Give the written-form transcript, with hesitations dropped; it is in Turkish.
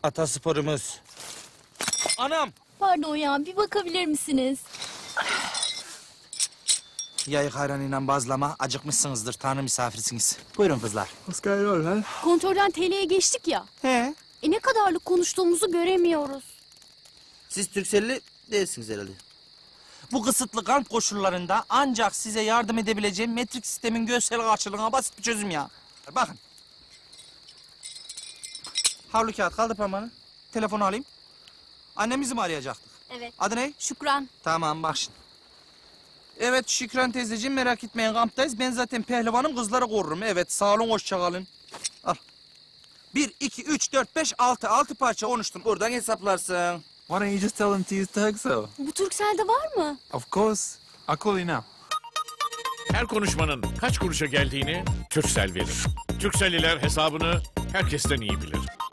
Atasporumuz. Anam! Pardon ya, bir bakabilir misiniz? Yayık ayranıyla bazlama, acıkmışsınızdır. Tanrı misafirsiniz. Buyurun kızlar. Was geil, lan? Kontrolden TL'ye geçtik ya. He. Ne kadarlık konuştuğumuzu göremiyoruz. Siz Türkcelli değilsiniz herhalde. Bu kısıtlı kamp koşullarında ancak size yardım edebileceğim metrik sistemin görsel karşılığına basit bir çözüm ya. Bakın. Havlu kağıt, kaldır parmağını. Telefonu alayım. Annemizi mi arayacaktık? Evet. Adı ne? Şükran. Tamam, bak şimdi. Evet Şükran teyzeciğim, merak etmeyin, kamptayız. Ben zaten pehlivanım, kızları korurum. Evet, sağ olun, hoşça kalın. Al. 1, 2, 3, 4, 5, 6. 6 parça konuştum. Buradan hesaplarsın. Why don't you just tell him to use Turkcell? Bu Turkcell'de var mı? Of course. I'll call you now. Her konuşmanın kaç kuruşa geldiğini Turkcell verir. Turkcelliler hesabını herkesten iyi bilir.